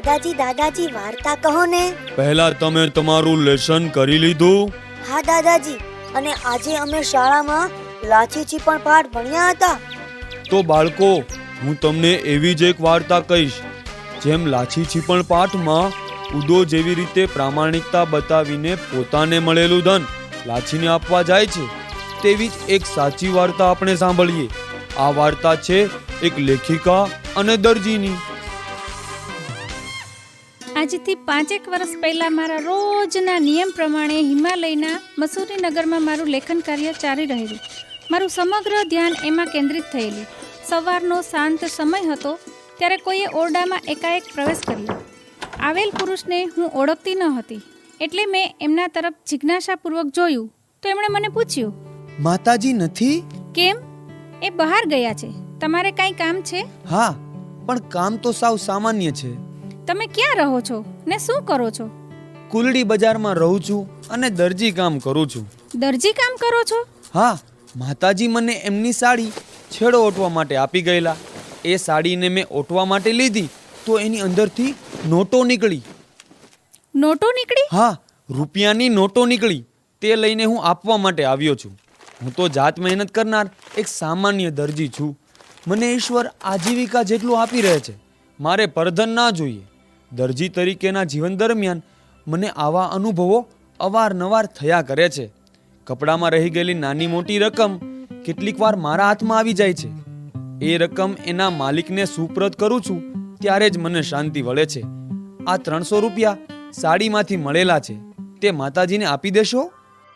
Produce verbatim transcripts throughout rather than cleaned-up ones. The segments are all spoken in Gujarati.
દાદાજી દાદાજી વાર્તા કહો ને. પહેલા તમે તમારું લેસન કરી લીધું? હા દાદાજી, અને આજે અમે શાળામાં લાછી છીપણ પાઠ ભણ્યા હતા. તો બાળકો, હું તમને એવી જ એક વાર્તા કહીશ. જેમ લાછી છીપણ પાઠમાં ઉદો જેવી રીતે પ્રામાણિકતા બતાવીને પોતાને મળેલું ધન લાછીને આપવા જાય છે, તેવી જ એક સાચી વાર્તા આપણે સાંભળીએ. આ વાર્તા છે એક લેખિકા અને દરજીની. આજથી પાંચેક વર્ષ પહેલા મારા રોજના નિયમ પ્રમાણે હિમાલયના મસૂરી નગરમાં મારું લેખન કાર્ય ચાલી રહેલું. મારું સમગ્ર ધ્યાન એમાં કેન્દ્રિત થયેલું. સવારનો શાંત સમય હતો ત્યારે કોઈએ ઓરડામાં એકાએક પ્રવેશ કર્યો. આવેલ પુરુષને હું ઓળખતી ન હતી, એટલે મેં એમના તરફ જિજ્ઞાસાપૂર્વક જોયું તો એમણે મને પૂછ્યું, માતાજી નથી? કેમ? એ બહાર ગયા છે. તમારે કાંઈ કામ છે? હા, પણ કામ તો સાવ સામાન્ય છે. તમે ક્યાં રહો છો ને શું કરો છો? કુલડી બજારમાં રહું છું અને દરજી કામ કરું છું. દરજી કામ કરો છો? હા, માતાજી મને એમની સાડી છેડો ઓટવા માટે આપી ગયેલા. એ સાડીને મેં ઓટવા માટે લીધી તો એની અંદરથી નોટો નીકળી. નોટો નીકળી? હા, રૂપિયાની નોટો નીકળી. તે લઈને હું આપવા માટે આવ્યો છું. હું તો જાત મહેનત કરનાર એક સામાન્ય દરજી છું. મને ઈશ્વર આજીવિકા જેટલું આપી રહે છે. મારે પરધન ના જોઈએ. દરજી તરીકેના જીવન દરમિયાન મને આવા અનુભવો અવારનવાર થયા કરે છે. કપડામાં રહી ગયેલી નાની મોટી રકમ કેટલીક વાર મારા હાથમાં આવી જાય છે. એ રકમ એના માલિકને સુપ્રત કરું છું ત્યારે જ મને શાંતિ વળે છે. આ ત્રણસો રૂપિયા સાડીમાંથી મળેલા છે, તે માતાજીને આપી દેશો?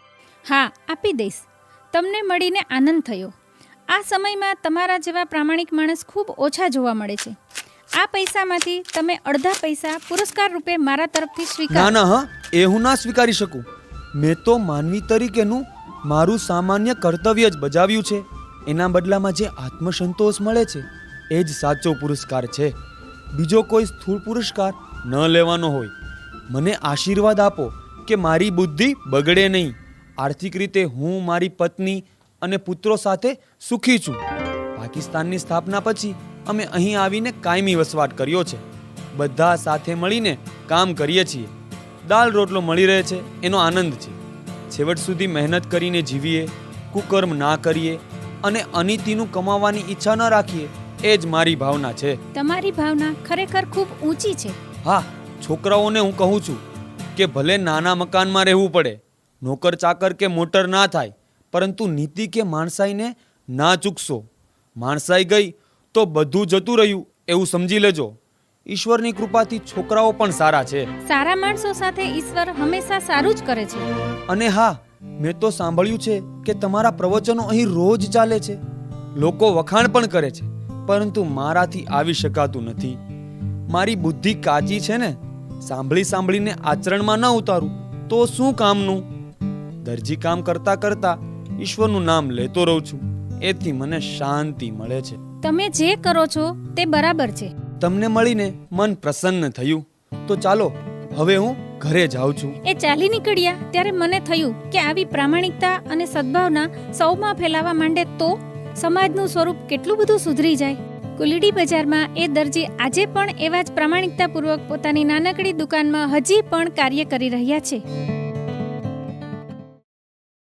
હા, આપી દઈશ. તમને મળીને આનંદ થયો. આ સમયમાં તમારા જેવા પ્રામાણિક માણસ ખૂબ ઓછા જોવા મળે છે. આ પૈસામાંથી તમે અડધા પૈસા પુરસ્કાર રૂપે મારા તરફથી સ્વીકાર. ના ના, હા, એ હું ના સ્વીકારી શકું. મેં તો માનવી તરીકેનું મારું સામાન્ય કર્તવ્ય જ બજાવ્યું છે. એના બદલામાં જે આત્મસંતોષ મળે છે એ જ સાચો પુરસ્કાર છે. બીજો કોઈ સ્થૂળ પુરસ્કાર ન લેવાનો હોય. મને આશીર્વાદ આપો કે મારી બુદ્ધિ બગડે નહીં. આર્થિક રીતે હું મારી પત્ની અને પુત્રો સાથે સુખી છું. પાકિસ્તાનની સ્થાપના પછી અમે અહીં આવીને કાયમી વસવાટ કર્યો છે. બધા સાથે મળીને કામ કરીએ છીએ. દાળ રોટલો મળી રહે છે એનો આનંદ છે. છેવટ સુધી મહેનત કરીને જીવીએ, કુકર્મ ના કરીએ અને અનીતિનું કમાવાની ઈચ્છા ન રાખીએ, એ જ મારી ભાવના છે. તમારી ભાવના ખરેખર ખૂબ ઊંચી છે. હા, છોકરાઓને હું કહું છું કે ભલે નાના મકાનમાં રહેવું પડે, નોકર ચાકર કે મોટર ના થાય, પરંતુ નીતિ કે માણસાઈને ના ચૂકશો. માણસાઈ ગઈ તો બધું જતું રહ્યું એવું સમજી લેજો. ઈશ્વરની કૃપાથી છોકરાઓ પણ સારા છે. સારા માણસો સાથે ઈશ્વર હંમેશા સારું જ કરે છે. અને હા, મેં તો સાંભળ્યું છે કે તમારા પ્રવચનો અહીં રોજ ચાલે છે. લોકો વખાણ પણ કરે છે, પરંતુ મારાથી આવી શકાતું નથી. મારી બુદ્ધિ કાચી છે ને. સાંભળી સાંભળીને આચરણમાં ન ઉતારું તો શું કામનું? દરજી કામ કરતા કરતા ઈશ્વરનું નામ લેતો રહું છું. એથી મને શાંતિ મળે છે. તમે જે કરો છો તે બરાબર છે. તમને મળીને મન પ્રસન્ન થયું. તો ચાલો હવે હું ઘરે જાઉં છું. એ ચાલી નીકળ્યા ત્યારે મને થયું કે આવી પ્રામાણિકતા અને સદ્ભાવના સૌમાં ફેલાવા માંડે તો સમાજનું સ્વરૂપ કેટલું બધું સુધરી જાય. કુલડી બજારમાં એ દરજી આજે પણ એવા જ પ્રામાણિકતાપૂર્વક પોતાની નાનકડી દુકાનમાં હજી પણ કાર્ય કરી રહ્યા છે.